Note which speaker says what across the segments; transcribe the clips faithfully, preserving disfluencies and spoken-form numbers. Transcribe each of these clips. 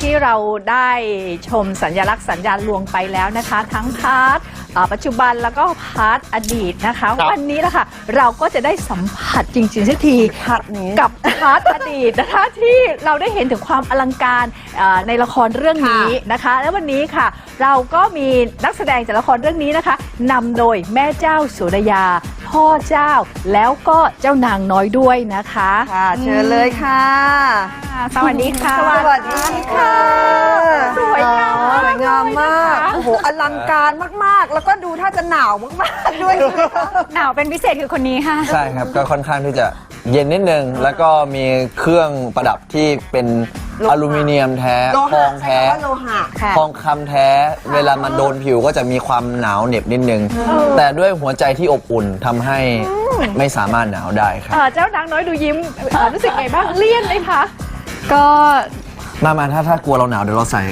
Speaker 1: ที่เราได้ชมสัญลักษณ์สัญญาณลวงไปแล้วนะคะทั้งพาร์ทปัจจุบันแล้วก็พาร์ทอดีตนะคะวันนี้ละค่ะเราก็จะได้สัมผัสจริงๆสักทีกับพาร์ทอดีตนะคะที่เราได้เห็นถึงความอลังการในละครเรื่องนี้นะคะและวันนี้ค่ะเราก็มีนักแสดงจากละครเรื่องนี้นะคะนำโดยแม่เจ้าสุรยาพ่อเจ้าแล้วก็เจ้านางน้อยด้วยนะคะ
Speaker 2: ค่ะเชิญเลยค่ะ
Speaker 1: สวัสดีค่ะ
Speaker 2: สวัสดีค่ะ
Speaker 1: สวยงาม
Speaker 2: สวยงามมากโอ้โหอลังการมากๆแล้วก็ดูถ้าจะหนาวมากๆด้วย
Speaker 1: หนาวเป็นพิเศษคือคนนี้ค่ะ
Speaker 3: ใช่ครับก็ค่อนข้างที่จะเย็นนิดนึงแล้วก็มีเครื่องประดับที่เป็นอลูมิเนียมแท้ทองแท้ทองคำแท้เวลามันโดนผิวก็จะมีความหนาวเหน็บนิดนึงแต่ด้วยหัวใจที่อบอุ่นทำให้ไม่สามารถหนาวได้ครับ
Speaker 1: เจ้านางน้อยดูยิ้มรู้สึกไงบ้างเลี่ยนไหมคะ
Speaker 3: ก็มามาถ้าถ้ากลัวเราหนาวเดี๋ยวเราใส่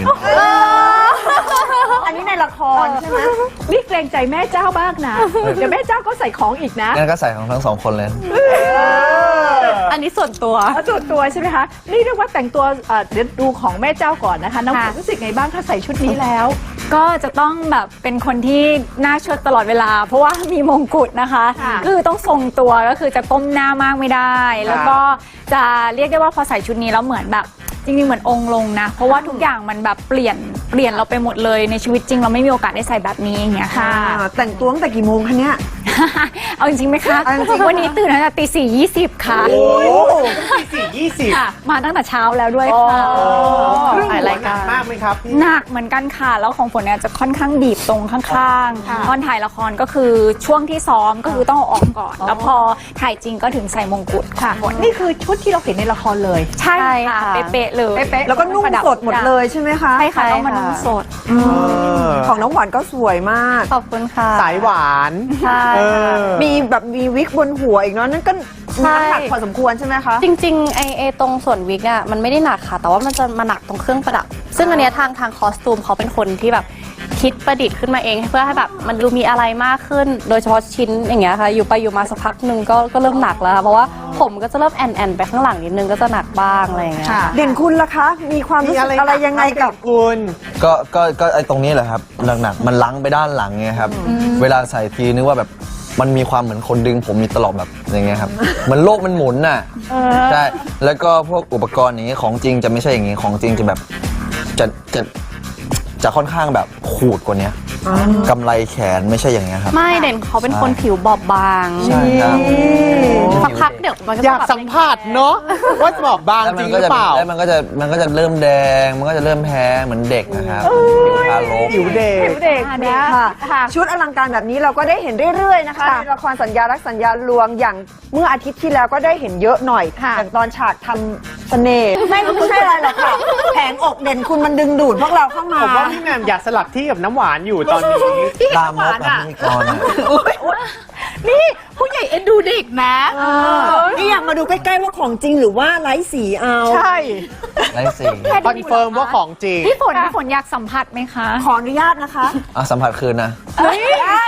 Speaker 2: อันนี้ในละครใช่ไหม
Speaker 1: นี่เกรงใจแม่เจ้าบ้างนะเดี๋ยวแม่เจ้าก็ใส่ของอีกนะ
Speaker 3: งั้นก็ใส่ของทั้งสองคนเลย
Speaker 1: อันนี้ส่วนตัวส่วนตัวใช่ไหมคะนี่เรียกว่าแต่งตัวเดี๋ยวดูของแม่เจ้าก่อนนะคะน้องฝนรู้สึกไงบ้างถ้าใส่ชุดนี้แล้ว
Speaker 4: ก็จะต้องแบบเป็นคนที่หน้าเชิดตลอดเวลาเพราะว่ามีมงกุฎนะคะคือต้องทรงตัวก็คือจะก้มหน้ามากไม่ได้แล้วก็จะเรียกได้ว่าพอใส่ชุดนี้แล้วเหมือนแบบจริงๆเหมือนองค์ลงนะเพราะว่าทุกอย่างมันแบบเปลี่ยนเปลี่ยนเราไปหมดเลยในชีวิตจริงเราไม่มีโอกาสได้ใส่แบบนี้อย่างเงี้ยค่ะ
Speaker 2: แต่งตัวตั้งแต่กี่โมงคะเนี่ย
Speaker 4: เอาจริงๆไหมคะวันนี้ตื่นตั้งแต่ตีสี่ยี่สิบค่ะ
Speaker 5: โอ้ตีสี่ยี่สิบ
Speaker 4: มาตั้งแต่เช้าแล้วด้วยค่ะ
Speaker 5: ถ่ายรายการมากไหมครับ
Speaker 4: หนักเหมือนกันค่ะแล้วของฝนเนี่ยจะค่อนข้างบีบตรงข้างๆตอนถ่ายละครก็คือช่วงที่ซ้อมก็คือต้องออกก่อนแล้วพอถ่ายจริงก็ถึงใส่มงกุฎค่ะ
Speaker 1: นี่คือชุดที่เราเห็นในละครเลย
Speaker 4: ใช่ค่ะเป๊ะๆเลย
Speaker 2: แล้วก็นุ่งสดหมดเลยใช่ไหมคะ
Speaker 4: ใช่ค่ะต้องมานุ่งสด
Speaker 2: ของน้องหวานก็สวยมาก
Speaker 4: ขอบคุณค่ะ
Speaker 5: สายหวาน
Speaker 4: ใช่
Speaker 2: มีแบบมีวิกบนหัวอีกเนาะนั่นก็น้ำหนักพอสมควรใช่ไหมคะ
Speaker 6: จริงๆไอเอตรงส่วนวิกอ่ะมันไม่ได้หนักค่ะแต่ว่ามันจะมาหนักตรงเครื่องประดับซึ่งอันเนี้ยทางทางคอสตูมเขาเป็นคนที่แบบคิดประดิษฐ์ขึ้นมาเองเพื่อให้แบบมันดูมีอะไรมากขึ้นโดยเฉพาะชิ้นอย่างเงี้ยค่ะอยู่ไปอยู่มาสักพักหนึ่งก็ก็เริ่มหนักแล้วเพราะว่าผมก็จะเริ่มแอนแอนไปข้างหลังนิดนึงก็จะหนักบ้างอะไรอย่างเงี้ย
Speaker 2: เด่นคุณล่ะคะมีความรู้สึกอะไรยังไงกับ
Speaker 5: คุณ
Speaker 3: ก็ก็ก็ไอตรงนี้แหละครับหนักๆมันลังไปด้านหลังไงครับเวลาใส่ทีนึกว่าแบบมันมีความเหมือนคนดึงผมมีตลอดแบบอย่างเงี้ยครับเหมือนโลกมันหมุนน่ะใช่แล้วก็พวกอุปกรณ์อย่างนี้ของจริงจะไม่ใช่อย่างนี้ของจริงจะแบบจะจะจะค่อนข้างแบบขูดกว่านี้กำไรแขนไม่ใช่อย่างเงี้ยครับ
Speaker 6: ไม่เด่นเขาเป็นคนผิวบอบบาง
Speaker 3: ใช่ครับ
Speaker 6: สักพักเดี๋ยวมันก็
Speaker 5: อยากสัมผัสเนาะว่าบอบบางจริงหรือเปล่า
Speaker 3: แล้วมันก็จะมันก็จะเริ่มแดงมันก็จะเริ่มแพ้เหมือนเด็กนะครับผิวทารก
Speaker 5: ผิวเด็ก
Speaker 2: เด็กค่ะชุดอลังการแบบนี้เราก็ได้เห็นเรื่อยๆนะคะในละครสัญญารักสัญญาลวงอย่างเมื่ออาทิตย์ที่แล้วก็ได้เห็นเยอะหน่อยอย่างตอนฉากทำเสน่ห์ไม่ไม่ใช่อะไรหรอกค่ะแผงอกเด่นคุณมันดึงดูดพวกเราเข้ามา
Speaker 5: ผมว่าพี่แหม่มอยากสลับที่กับน้ำหวานอยู่ตอนนี้
Speaker 3: ตามมดอ่ะนี่ก่อน
Speaker 1: นี่ผู้ใหญ่เอ็นดูเด็กนะ
Speaker 2: นี่อยากมาดูใกล้ๆว่าของจริงหรือว่าไร้สีเอา
Speaker 5: ใช่
Speaker 3: ไร้สี
Speaker 5: คอนเฟิร์มว่าของจริง
Speaker 4: พี่ฝนพี่ฝนอยากสัมผัสไหมคะ
Speaker 2: ขออนุญาตนะคะ
Speaker 3: อ่ะสัมผัสคืนนะ
Speaker 2: ได้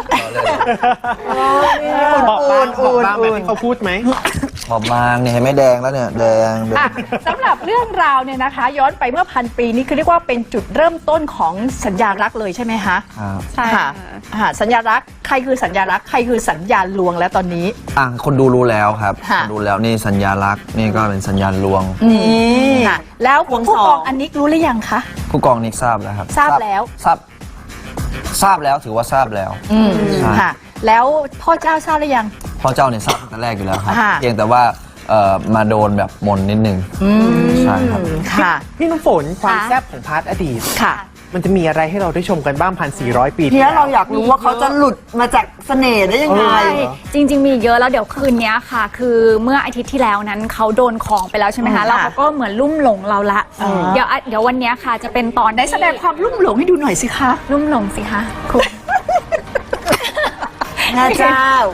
Speaker 5: บอกบ้างบอกบ้างแบบที่เขาพูดไหม
Speaker 3: บอกบางเนี่ยไม่แดงแล้วเนี่ยแดง
Speaker 1: สำหรับเรื่องราวเนี่ยนะคะย้อนไปเมื่อพันปีนี้คือเรียกว่าเป็นจุดเริ่มต้นของสัญญารักเลยใช่ไหมคะ
Speaker 4: ใช่
Speaker 1: ค่ะสัญญารักใครคือสัญญารักใครคือสัญญาลวงแล้วตอนนี้
Speaker 3: อ่ะคนดูรู้แล้วครับดูแล้วนี่สัญญารักนี่ก็เป็นสัญญาลวง
Speaker 1: นี่ค่ะแล้วผู้กองอันนิกรู้หรือยังคะ
Speaker 3: ผู้กองนิกทราบแล้วครับ
Speaker 1: ทราบแล้ว
Speaker 3: ทราบทราบแล้วถือว่าทราบแล้ว
Speaker 1: ค่ะแล้วพ่อเจ้าทราบหรือยัง
Speaker 3: พ่อเจ้าเนี่ยทราบตั้งแต่แรกอยู่แล้วครับเพียงแต่ว่ามาโดนแบบมนนิดนึงใช่ครับ
Speaker 1: ค่ะ
Speaker 5: พี่น้ำฝนความแซ่บของพาร์ทอดีต
Speaker 1: ค่ะ
Speaker 5: มันจะมีอะไรให้เราได้ชมกันบ้างพันสี่ร้อยปี
Speaker 2: ที่แล้วเราอยากรู้ว่าเขาจะหลุดมาจากเสน่ห์ได้ยังไง
Speaker 4: จริงๆมีเยอะแล้วเดี๋ยวคืนนี้ค่ะคือเมื่ออาทิตย์ที่แล้วนั้นเขาโดนของไปแล้วใช่ไหมคะแล้วเขาก็เหมือนลุ่มหลงเราละเดี๋ยวเดี๋ยววันนี้ค่ะจะเป็นตอน
Speaker 1: ได้แสดงความลุ่มหลงให้ดูหน่อยสิคะ
Speaker 4: ลุ่มหลงสิคะคุณ
Speaker 2: แม่เจ้า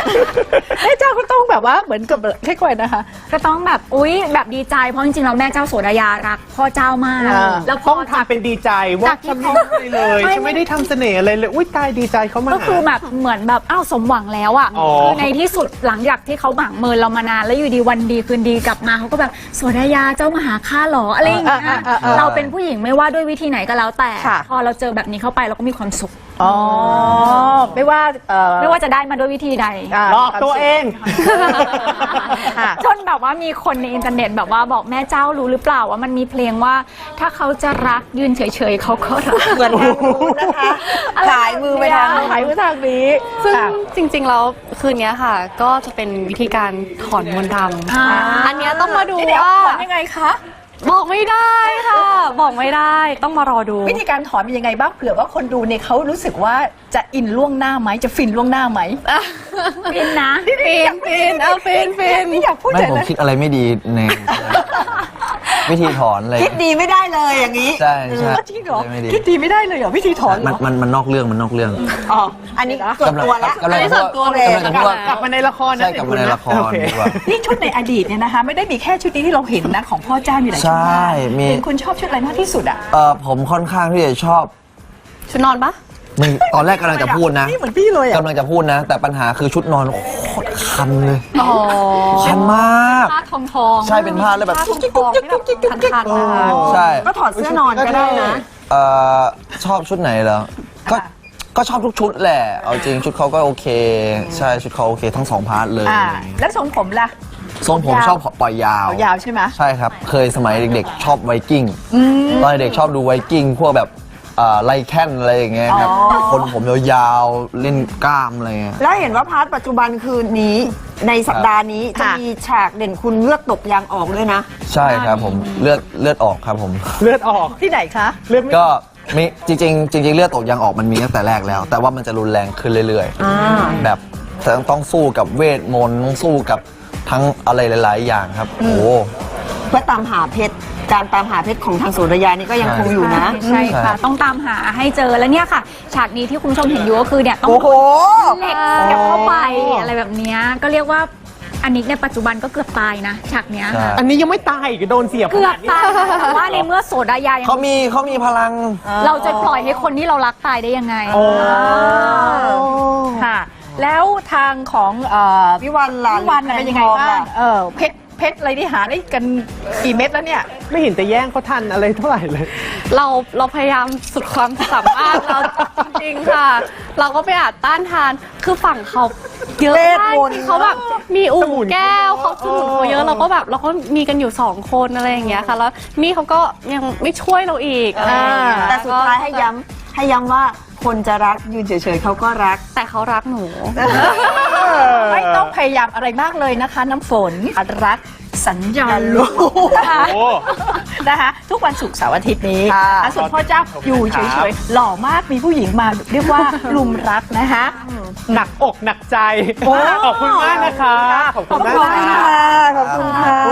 Speaker 1: แม่เจ้าก็ต้องแบบว่าเหมือนกับแค่ก่อนนะคะ
Speaker 4: ก็ต้องแบบอุ๊ยแบบดีใจเพราะจริงๆแล้วแม่เจ้าโสดายารักพ่อเจ้ามาก
Speaker 1: อ่า
Speaker 4: แล้วพ
Speaker 5: ต้
Speaker 4: อ
Speaker 5: อง
Speaker 4: จาก
Speaker 5: ทำเป็นดีใจว่า
Speaker 4: จากที่
Speaker 5: ฉัน
Speaker 4: เขา
Speaker 5: ไม่ได้เลย
Speaker 4: ไม่
Speaker 5: ฉันไม่ได้ทำเสน่ห์อะไรเลยอุ้ยตายดีใจเขามา
Speaker 4: ก็คือแบบเหมือนแบบอ้าวสมหวังแล้วอ่ะ
Speaker 5: อ๋อ
Speaker 4: คือในที่สุดหลังจากที่เขาหมั่งเมินเรามานานแล้วอยู่ดีวันดีคืนดีกลับมาเขาก็แบบโสดายาเจ้ามาหาข้าหรออะไรอย่างเงี้ย
Speaker 1: อ่าอ่าอ่า
Speaker 4: เราเป็นผู้หญิงไม่ว่าด้วยวิธีไหนก็แล้วแต่
Speaker 1: ค่ะ
Speaker 4: พอเราเจอแบบนี้เข้าไปเราก็มีความสุข
Speaker 1: อ๋อไม่ว่าเอ่อ
Speaker 4: ไม่ว่าจะได้มาด้วยวิธีใด
Speaker 1: า
Speaker 5: หลอกตัวเอง
Speaker 1: ค่ะ
Speaker 4: จนแบบว่ามีคนในอินเทอร์เน็ตแบบว่าบอกแม่เจ้ารู้หรือเปล่าว่ามันมีเพลงว่าถ้าเขาจะรักยืนเฉยๆเขาก็รัก
Speaker 2: เหมือนทางนู้นนะคะขายมือไปทางนู้น
Speaker 1: ขายมือทางนี้
Speaker 6: ซึ่ง
Speaker 1: ค่ะ
Speaker 6: จริงๆแล้วคืนนี้ค่ะ ก็จะเป็นวิธีการถอนมนต์ด
Speaker 4: อ่า
Speaker 6: ำอันเนี้ยต้องมาดู
Speaker 1: เดี๋ยว
Speaker 6: ว่า
Speaker 1: ถอนยังไงคะ
Speaker 6: บอกไม่ได้ค่ะ บอกไม่ได้ต้องมารอดู
Speaker 1: วิธีการถอนเป็นยังไงบ้างเผื่อว่าคนดูเนี่ยเขารู้สึกว่าจะอินล่วงหน้าไหมจะฟินล่วงหน้าไหม
Speaker 4: ฟินนะ
Speaker 6: ฟินฟินเอาฟินฟิน
Speaker 1: ไม่อยากพูด
Speaker 3: ไม่
Speaker 1: เลย
Speaker 3: ผม
Speaker 1: นะ
Speaker 3: คิดอะไรไม่ดีใน วิธีถอนอะไร
Speaker 2: คิดดีไม่ได้เลยอย่างนี้
Speaker 3: ใช่ใช่
Speaker 1: จริงเหรอ
Speaker 3: ไม่ดี
Speaker 1: คิดดีไม่ได้เลยเหรอวิธีถอนเหร
Speaker 3: มัน
Speaker 1: อ
Speaker 3: มันมันนอกเรื่องมันนอกเรื่อง
Speaker 2: อ๋อ อันนี้ส่วนตัวแล้ว
Speaker 3: กำลัง
Speaker 2: อันนี้ส่วนตัวเลย
Speaker 3: กำลังจะพูดว่าก
Speaker 5: ลับมาในละครนะ
Speaker 3: ใช่กลับมาในละคร
Speaker 5: โอเค
Speaker 3: ดีกว่า
Speaker 1: นี่ชุดในอดีตเนี่ยนะคะ ไม่ได้มีแค่ชุดนี้ที่เราเห็นนะของพ่อเจ้ามีหลายชุด
Speaker 3: ใช่
Speaker 1: มาก
Speaker 3: มี
Speaker 1: เห็นคุณชอบชุดอะไรมากที่สุดอ่ะ
Speaker 3: เออผมค่อนข้างที่จะชอบ
Speaker 6: ชุดนอนปะ
Speaker 3: มึงตอนแรกกำลังจะพูดนะ
Speaker 1: นี่เหมือนพี่เลยอ่ะ
Speaker 3: กำลังจะพูดนะ แต่ปัญหาคือชุดนอนโคตรคันเลย
Speaker 6: อ๋อ
Speaker 3: คันมาก
Speaker 4: ผ้าทองทอง
Speaker 3: ใช่เป็นผ้าแล้วแบบ
Speaker 6: ผ้าทองทองที่แบบคันๆนะคะ
Speaker 3: ใช่
Speaker 2: ก็ถอดเสื้อนอนก็ได้นะ
Speaker 3: เอ่อชอบชุดไหนเหรอก็ก็ชอบทุกชุดแหละ เอาจริงชุดเขาก็โอเค ใช่ชุดเขาโอเคทั้งสองพาร์ทเลย
Speaker 1: อ่า แล้วทรงผมล่ะ
Speaker 3: ทรงผมชอบปล่อยยาว
Speaker 1: เอายาวใช่ไหม
Speaker 3: ใช่ครับ เคยสมัยเด็กๆ ชอบไวกิ้งตอนเด็กชอบดูไวกิ้งพวกแบบเอ่อไลแคนอะไรอย่างเงี้ยครับ
Speaker 1: อ๋อ
Speaker 3: คนผมยาวๆ เล่นกล้ามอะไรเงี้ย
Speaker 2: แล้วเห็นว่าพาร์ทปัจจุบันคืนนี้ในสัปดาห์นี้จะ
Speaker 1: ค่ะ
Speaker 2: มีฉากเด่นคุณเลือดตกยางออกด้วยนะ
Speaker 3: ใช่ครับผมเลือดเลือดออกครับผม
Speaker 5: เลือดออก
Speaker 1: ที่ไหนคะ
Speaker 5: เลือดไม่
Speaker 3: ก็มีจริงๆจริง ๆ เลือดตกยางออกมันมีตั้งแต่แรกแล้ว แต่ว่ามันจะรุนแรงขึ้นเรื่อย
Speaker 2: อ่า
Speaker 3: ๆ แบบต้องสู้กับเวทมนต์ต้องสู้กับทั้งอะไรหลายๆ อย่างครับ โอ้โห
Speaker 2: เพื่อตามหาเพชร การตามหาเพชรของทางโสดายานี่ก็ยังคงอยู่นะ
Speaker 4: ใช่ค่ะ ต้องตามหาให้เจอแล้วเนี่ยค่ะ ฉากนี้ที่คุณผู้ชมเห็นอยู่ก็คือเนี่ยต้อง
Speaker 2: โอ้โห
Speaker 4: เหล็กเสียบเข้าไปอะไรแบบเนี้ยก็เรียกว่าอันนี้ในปัจจุบันก็เกือบตายนะฉากเนี้ยค่ะ
Speaker 3: ใช่
Speaker 5: อันนี้ยังไม่ตายอีกโดนเสียบ
Speaker 4: เกือบ
Speaker 5: ขนาดนี้
Speaker 4: ตายแต่ว่าในเมื่อโสดายายัง
Speaker 3: เขามีเขามีพลัง
Speaker 4: เราจะปล่อยให้คนที่เรารักตายได้ยังไง
Speaker 5: โอ้
Speaker 1: ค่ะ แล้วทางของเอ่อ
Speaker 2: วิวันล่ะ
Speaker 1: พี่วันน่ะเป็นยังไงบ้าง
Speaker 2: แทนทองล่ะ
Speaker 1: เออเพชรเพชรอะไรที่หาได้กันกี่เม็ดแล้วเนี่ย
Speaker 5: ไม่เห็นจะแย่งเขาทันอะไรเท่าไหร่เลย
Speaker 6: เราเราพยายามสุดความสามารถเราจริงๆค่ะ เราก็ไปอาจต้านทานคือฝั่งเขาเยอะ
Speaker 2: เวท
Speaker 6: มาก
Speaker 2: มนต์
Speaker 6: ที่เขาแบบมีอู่
Speaker 5: สมุน
Speaker 6: แก้วเขาสมุนเขาเย
Speaker 5: เอ
Speaker 6: อะ
Speaker 5: อ
Speaker 6: เราก็แบบเราก็มีกันอยู่สองคนอะไรอย่างเงี้ยค่ะ แล้วนี่เขาก็ยังไม่ช่วยเราอีกอะไรอย่างเงี้ย
Speaker 2: แต่สุดท้ายให้ย้ำให้ย้ำว่าคนจะรักยืนเฉยๆเขาก็รัก
Speaker 6: แต่เขารักหนู
Speaker 1: ไม่ต้องพยายามอะไรมากเลยนะคะ น้ำฝนรักสัญญาลูกนะคะ
Speaker 5: โอ้
Speaker 1: นะคะทุกวันศุกร์เสาร์อาทิตย์นี้
Speaker 2: ค่ะ
Speaker 1: อ่ะส่วนพ่อเจ้าอยู่เฉยๆหล่อมากมีผู้หญิงมาเรียกว่าลุมรักนะคะ
Speaker 5: หนักอกหนักใจ ขอบคุณมากนะคะ ขอบคุณมาก
Speaker 2: ขอบคุณ
Speaker 5: ค่ะ
Speaker 2: ค่ะ ขอบคุณค่ะ